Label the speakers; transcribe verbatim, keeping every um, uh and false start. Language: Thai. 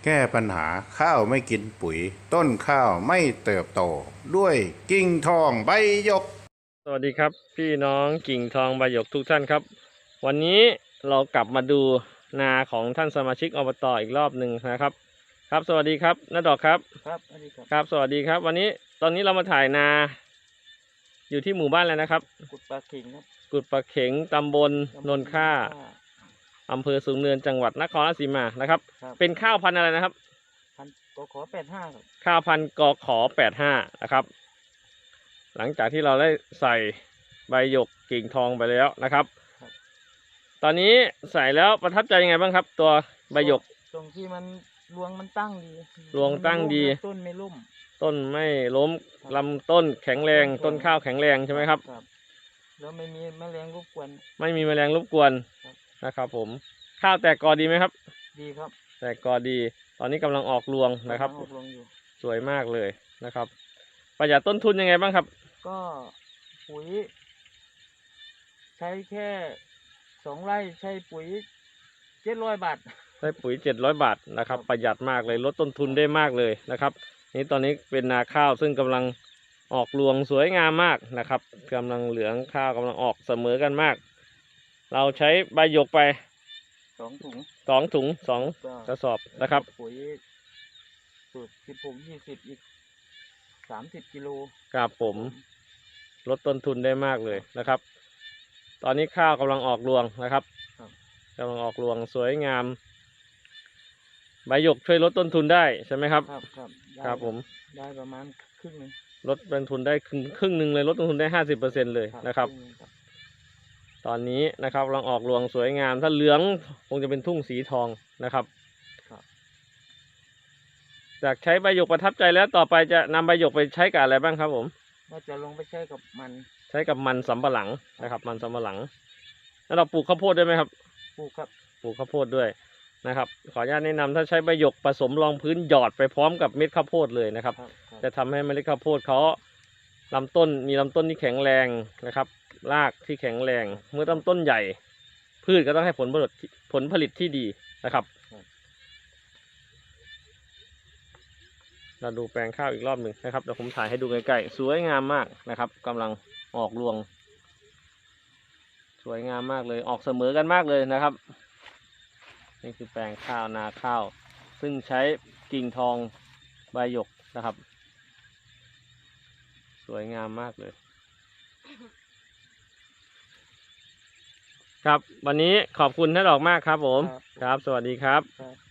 Speaker 1: แก้ปัญหาข้าวไม่กินปุ๋ยต้นข้าวไม่เติบโตด้วยกิ่งทองใบหยก
Speaker 2: สวัสดีครับพี่น้องกิ่งทองใบหยกทุกท่านครับวันนี้เรากลับมาดูนาของท่านสมาชิกอบตอีกรอบหนึ่งนะครับครับสวัสดีครับน้าดอกครับ
Speaker 3: ครับสวัสดีครับ
Speaker 2: ครับสวัสดีครับวันนี้ตอนนี้เรามาถ่ายนาอยู่ที่หมู่บ้านแล้วนะครับ
Speaker 3: กุดปลาเข็งครับ
Speaker 2: กุดปลาเข็งตำบลนนค่าอำเภอสูงเนินจังหวัดนครราชสีมานะครับเป็นข้าวพันธุ์อะไรนะครับ
Speaker 3: พันกขอแปดห้าครับ
Speaker 2: ข้าวพันธุ์กขอแปดห้านะครับหลังจากที่เราได้ใส่ใบหยกกิ่งทองไปแล้วนะครับตอนนี้ใส่แล้วประทับใจยังไงบ้างครับ ตัวใบหยก
Speaker 3: ตรงที่มันรวงมันตั้งดี
Speaker 2: รวงตั้งดี
Speaker 3: ต้นไม่ล้ม
Speaker 2: ต้นไม่ล้มลำต้นแข็งแรงต้นข้าวแข็งแรงใช่ไหมครับ
Speaker 3: แล้วไม่มีแมลงรบกวน
Speaker 2: ไม่มีแมลงรบกวนนะครับผมข้าวแตกกอดีไหมครับ
Speaker 3: ดีครับ
Speaker 2: แตกกอดีตอนนี้กำลังออกรวงนะครับสวยมากเลยนะครับประหยัดต้นทุนยังไงบ้างครับ
Speaker 3: ก็ปุ๋ยใช้แค่สองไร่ใช้ปุ๋ยเจ็ดร้อยบาท
Speaker 2: ใช้ปุ๋ยเจ็ดร้อยบาทนะครับประหยัดมากเลยลดต้นทุนได้มากเลยนะครับนี่ตอนนี้เป็นนาข้าวซึ่งกำลังออกรวงสวยงามมากนะครับกำลังเหลืองข้าวกำลังออกเสมอกันมากเราใช้ใบหยกไป
Speaker 3: สองถุง
Speaker 2: สองถุงสองกระสอบนะครับ
Speaker 3: ปุ๋ยสูตรสิบหกยี่สิบอีกสามสิบกิโล
Speaker 2: ครับผมลดต้นทุนได้มากเลยนะครับตอนนี้ข้าวกำลังออกรวงนะครับกำลังออกรวงสวยงามใบหยกช่วยลดต้นทุนได้ใช่ไหมครับ
Speaker 3: ครับครับ
Speaker 2: ครับผม
Speaker 3: ได้ประมาณครึ่งนึง
Speaker 2: ลดต้นทุนได้ครึ่งครึ่งหนึ่งเลยลดต้นทุนได้ห้าสิบเปอร์เซ็นต์เลยนะครับตอนนี้นะครับกำลังออกรวงสวยงามถ้าเหลืองคงจะเป็นทุ่งสีทองนะครับจากใช้ใบหยกประทับใจแล้วต่อไปจะนำใบหยกไปใช้กับอะไรบ้างครับผม
Speaker 3: น่าจะลงไปใช้กับมัน
Speaker 2: ใช้กับมันสำปะหลังนะครับมันสำปะหลังแล้วเราปลูกข้าวโพดได้ไหมครับ
Speaker 3: ปลูกครับ
Speaker 2: ปลูกข้าวโพดด้วยนะครับขออนุญาตแนะนำถ้าใช้ใบหยกผสมรองพื้นหยอดไปพร้อมกับเม็ดข้าวโพดเลยนะครับจะทำให้เมล็ดข้าวโพดเขาลำต้นมีลำต้นที่แข็งแรงนะครับรากที่แข็งแรงเมื่อลำต้นใหญ่พืชก็ต้องให้ผลผลิตผลผลิตที่ดีนะครับเราดูแปลงข้าวอีกรอบหนึ่งนะครับเดี๋ยวผมถ่ายให้ดูใกล้ๆสวยงามมากนะครับกำลังออกรวงสวยงามมากเลยออกเสมอกันมากเลยนะครับนี่คือแปลงข้าวนาข้าวซึ่งใช้กิ่งทองใบหยกนะครับสวยงามมากเลยครับวันนี้ขอบคุณท่านดอกมากครับผมครับสวัสดีครับ